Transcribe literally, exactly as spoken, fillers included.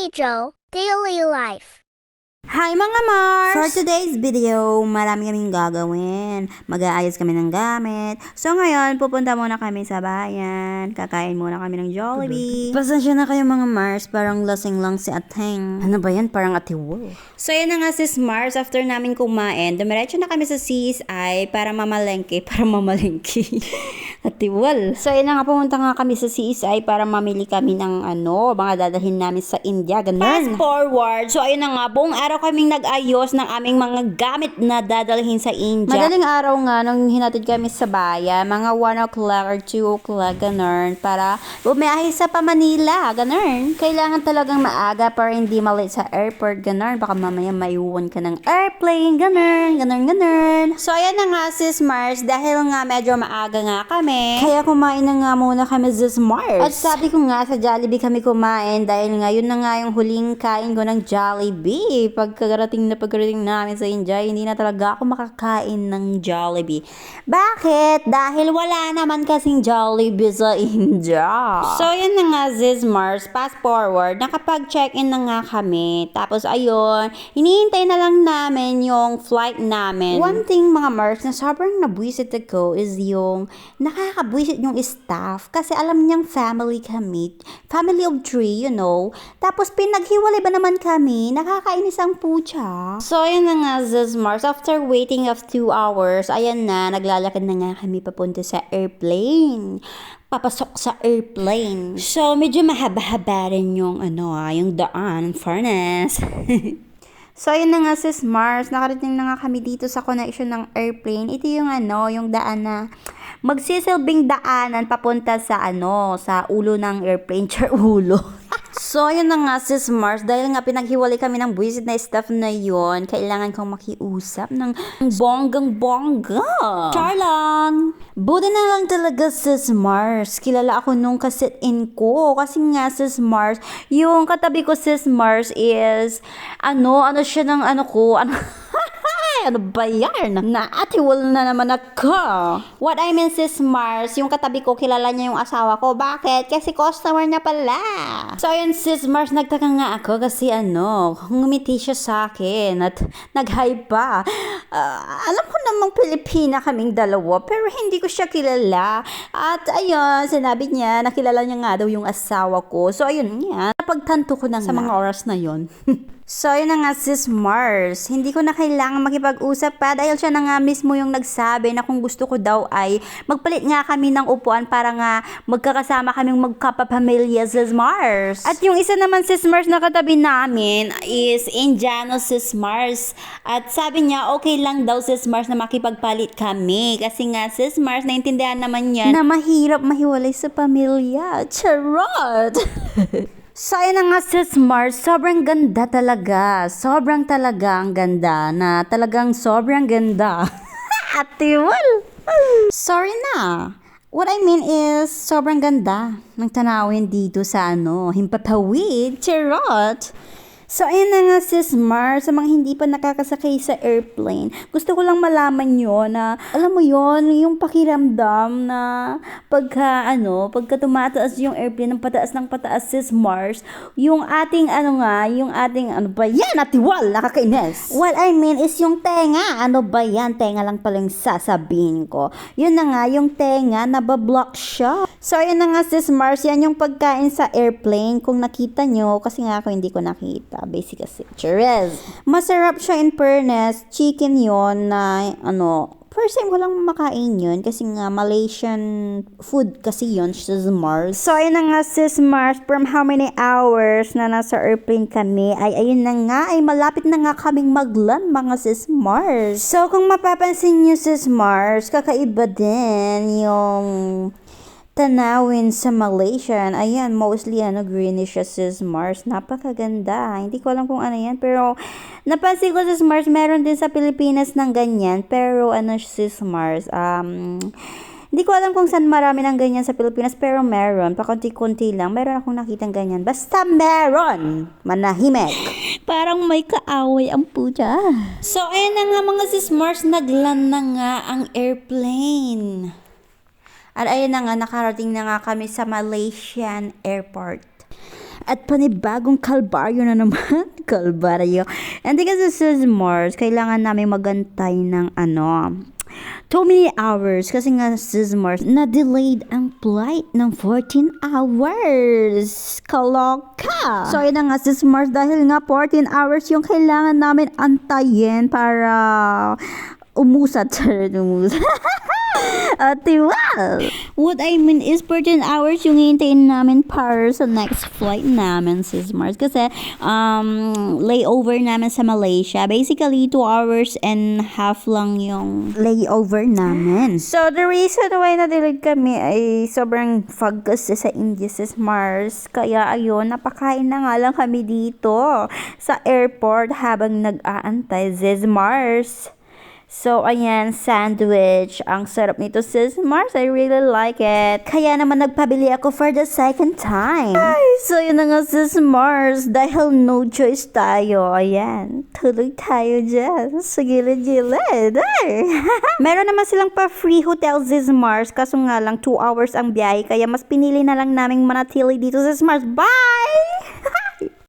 Joe, Daily Life. Hi mga Mars! For today's video, marami kaming gagawin. Mag-aayos kami ng gamit. So ngayon, pupunta muna kami sa bayan. Kakain muna kami ng Jollibee. Pasensya na kayo mga Mars, parang lasing lang si Ateng. Ano ba yan? Parang atiwo. So yan na nga sis Mars, after namin kumain, dumiretso na kami sa C S I para mamalengke. Para mamalengke. Atiwal. So yan na nga, pumunta nga kami sa C S I para mamili kami ng ano, mga dadalhin namin sa India. Ganun. Fast forward. So ayun na nga, buong araw kaming nag-ayos ng aming mga gamit na dadalhin sa India. Madaling araw nga nung hinatid kami sa bayan, mga one o'clock or two o'clock, ganun, para bumiyahe sa pa Manila, ganun. Kailangan talagang maaga para hindi malate sa airport, ganun. Baka mamaya maiwan ka ng airplane, ganun, ganun, ganun. So ayan na nga sis Mars, dahil nga medyo maaga nga kami, kaya kumain na nga muna kami sis Mars. At sabi ko nga sa Jollibee kami kumain dahil nga yun na nga yung huling kain ko ng Jollibee. Pagkarating na pagkarating namin sa India, hindi na talaga ako makakain ng Jollibee. Bakit? Dahil wala naman kasing Jollibee sa India. So, yun na nga, sis Mars. Fast forward, nakapag-check-in na nga kami. Tapos, ayun, hinihintay na lang namin yung flight namin. One thing, mga Mars, na sobrang nabwisit ako is yung nakakabwisit yung staff. Kasi alam niyang family kami. Family of three, you know. Tapos, pinaghiwalay ba naman kami? Nakakainis ang pucha. So, ayan na nga, sis Mars. After waiting of two hours, ayan na, naglalakad na nga kami papunta sa airplane. Papasok sa airplane. So, medyo mahaba-haba rin yung, ano ah, yung daan, fairness. So, ayun na nga sis Mars, nakarating na nga kami dito sa connection ng airplane. Ito yung ano, yung daan na magsisilbing daanan papunta sa ano, sa ulo ng airplane. Char ulo. So, ayun na nga sis Mars, dahil nga pinaghiwalay kami ng buwisit na staff na yon, kailangan kong makiusap ng bonggang-bongga. Char lang! Buti na lang talaga sis Mars, kilala ako nung kasit-in ko. Kasi nga sis Mars, yung katabi ko sis Mars is, ano, ano siya ng ano ko, ano, ano ba yan? Naatiwal na naman ako. What I mean sis Mars, yung katabi ko, kilala niya yung asawa ko. Bakit? Kasi customer niya pala. So ayun sis Mars, nagtaka nga ako kasi ano, ngumiti siya sa akin at nag-hi pa. Uh, alam ko namang Pilipina kaming dalawa, pero hindi ko siya kilala. At ayun, sinabi niya, nakilala niya nga daw yung asawa ko. So ayun nga, napagtanto ko na sa mga oras na yon. So, yun na nga sis Mars, hindi ko na kailangan makipag-usap pa dahil siya na nga mismo yung nagsabi na kung gusto ko daw ay magpalit nga kami ng upuan para nga magkakasama kaming magkapapamilya sis Mars. At yung isa naman sis Mars na katabi namin is Indiano sis Mars. At sabi niya okay lang daw sis Mars na makipagpalit kami kasi nga sis Mars naintindihan naman niya na mahirap mahiwalay sa pamilya. Charot! So, ayun na nga sis Mars, sobrang ganda talaga. Sobrang talaga ang ganda na talagang sobrang ganda. Atiwal! Sorry na. What I mean is, sobrang ganda ng tanawin dito sa ano, Himpapawid, Charot! So, ayun na nga sis Mars, sa mga hindi pa nakakasakay sa airplane, gusto ko lang malaman yun na, alam mo yon yung pakiramdam na pagka, ano, pagka tumataas yung airplane ng pataas ng pataas sis Mars, yung ating, ano nga, yung ating, ano ba yan, atiwal, nakakainis. What I mean is yung tenga, ano ba yan, tenga lang palang sasabihin ko. Yun na nga, yung tenga, nabablock siya. So, ayun na nga sis Mars, yan yung pagkain sa airplane, kung nakita nyo, kasi nga ako hindi ko nakita. Basic kasi. Cherez. Masarap siya in fairness. Chicken yon na, ano, first time ko lang makain yun kasi nga Malaysian food kasi yun, sis Mars. So, ayun na nga sis Mars, from how many hours na nasa airplane kami, ay ayun na nga, ay malapit na nga kaming maglan mga sis Mars. So, kung mapapansin nyo sis Mars, kakaiba din yung tanawin sa Malaysia. Ayan, mostly ano, greenish siya sis Mars. Napakaganda. Hindi ko alam kung ano yan. Pero, napansin ko sis Mars, meron din sa Pilipinas ng ganyan. Pero, ano sis Mars, um, hindi ko alam kung saan marami ng ganyan sa Pilipinas. Pero meron. Pakunti-kunti lang. Meron akong nakitang ganyan. Basta meron! Manahimik. Parang may kaaway ang puja. So, ayan na nga mga sis Mars, naglan na nga ang airplane. At ayun na nga, nakarating na nga kami sa Malaysian airport. At panibagong kalbaryo na naman. Kalbaryo. Hindi kasi sis Mars, kailangan namin magantay ng ano, too many hours. Kasi nga sis Mars, na-delayed ang flight ng fourteen hours. Kaloka. So yun na nga sis Mars, dahil nga fourteen hours yung kailangan namin antayin para umusat. Umusat. Ate, well, what I mean is fourteen hours yung hintayin namin para sa next flight namin, sis Mars. Kasi, um, layover namin sa Malaysia. Basically, two hours and half lang yung layover namin. So, the reason why na-delayed kami ay sobrang fog kasi sa India, sis Mars. Kaya, ayun, napakain na nga lang kami dito sa airport habang nag-aantay, sis Mars. So, ayan, sandwich. Ang sarap nito, sis Mars. I really like it. Kaya naman nagpabili ako for the second time. Ay, so yun na nga, sis Mars. Dahil no choice tayo. Ayan, tuloy tayo dyan. Sa gilid-gilid. Ay. Meron naman silang pa-free hotel, sis Mars. Kaso nga lang, two hours ang biyahe. Kaya mas pinili na lang naming manatili dito, sis Mars. Bye!